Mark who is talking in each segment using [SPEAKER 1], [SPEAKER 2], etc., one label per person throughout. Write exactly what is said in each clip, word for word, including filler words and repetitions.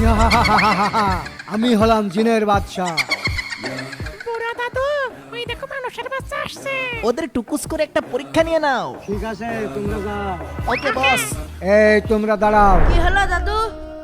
[SPEAKER 1] আমি হলাম জিনের বাদশা।
[SPEAKER 2] বুড়া দাদু, ওই দেখো মানুষের বাচ্চা আসছে।
[SPEAKER 3] ওদের টুকুস করে একটা পরীক্ষা নিয়ে নাও।
[SPEAKER 1] ঠিক আছে, তোমরা যাও।
[SPEAKER 3] ওকে বস।
[SPEAKER 1] এই তোমরা দাঁড়াও।
[SPEAKER 4] কি হলো দাদু?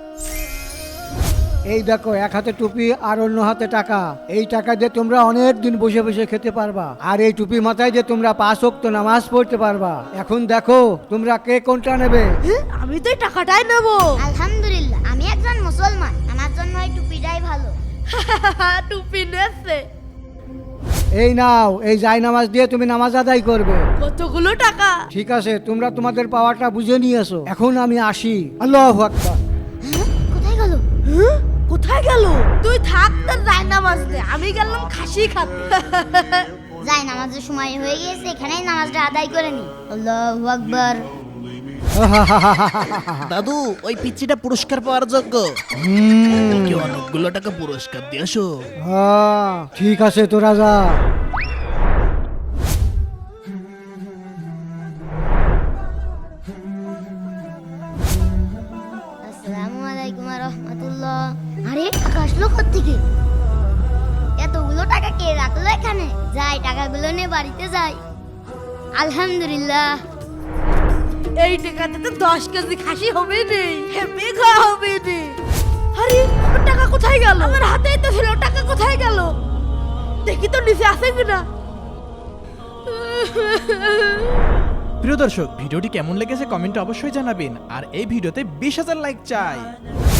[SPEAKER 1] এই দেখো, এক হাতে টুপি আর অন্য হাতে টাকা। এই টাকা দিয়ে তোমরা অনেক দিন বসে বসে খেতে পারবা, আর এই টুপি মাথায় দিয়ে তোমরা পাঁচ ওয়াক্ত নামাজ পড়তে পারবা। এখন দেখো তোমরা কে কোনটা নেবে।
[SPEAKER 4] আমি তো এই টাকাটাই নেবো।
[SPEAKER 5] আলহামদুলিল্লাহ, আমি একজন মুসলমান, আমার জন্য এই টুপিটাই ভালো।
[SPEAKER 4] টুপি নেছে।
[SPEAKER 1] এই নাও, এই জায় নামাজ দিয়ে তুমি নামাজ আদায় করবে।
[SPEAKER 4] কতগুলো টাকা?
[SPEAKER 1] ঠিক আছে, তোমরা তোমাদের পাওয়ারটা বুঝে নিয়েছো। এখন আমি আসি। আল্লাহু আকবার।
[SPEAKER 5] কোথায় গেল?
[SPEAKER 4] কোথায় গেল? তুই থাক, তার যাই নামাজ দে, আমি গেলাম খাসি খাতে।
[SPEAKER 5] যাই নামাজের সময় হয়ে গিয়েছে, এখানেই নামাজটা আদায় করে নি। আল্লাহু আকবার।
[SPEAKER 3] দাদু, ওই পিচ্চিটা পুরস্কার পাওয়ার যোগ্য।
[SPEAKER 1] হুম,
[SPEAKER 3] কি অনেকগুলো টাকা পুরস্কার দিয়েছো।
[SPEAKER 1] হ্যাঁ, ঠিক আছে, তোরা যা।
[SPEAKER 5] আসসালামু আলাইকুম ওয়া রাহমাতুল্লাহ। আরে টাকা আসলো কোত্থেকে? এতগুলো টাকা কে রাখলো এখানে? যাই টাকাগুলো নিয়ে বাড়িতে যাই। আলহামদুলিল্লাহ।
[SPEAKER 4] এই টাকাতে তো দশ কেজি খাসি হবে নেই, হেপে খাওয়া হবে নে। আরে আমার টাকা কোথায় গেল? আমার হাতেই তো ছিল, টাকা কোথায় গেল? দেখি তো নিচে আছে কিনা।
[SPEAKER 6] প্রিয় দর্শক, ভিডিওটি কেমন লেগেছে কমেন্টে অবশ্যই জানাবেন, আর এই ভিডিওতে বিশ হাজার লাইক চাই।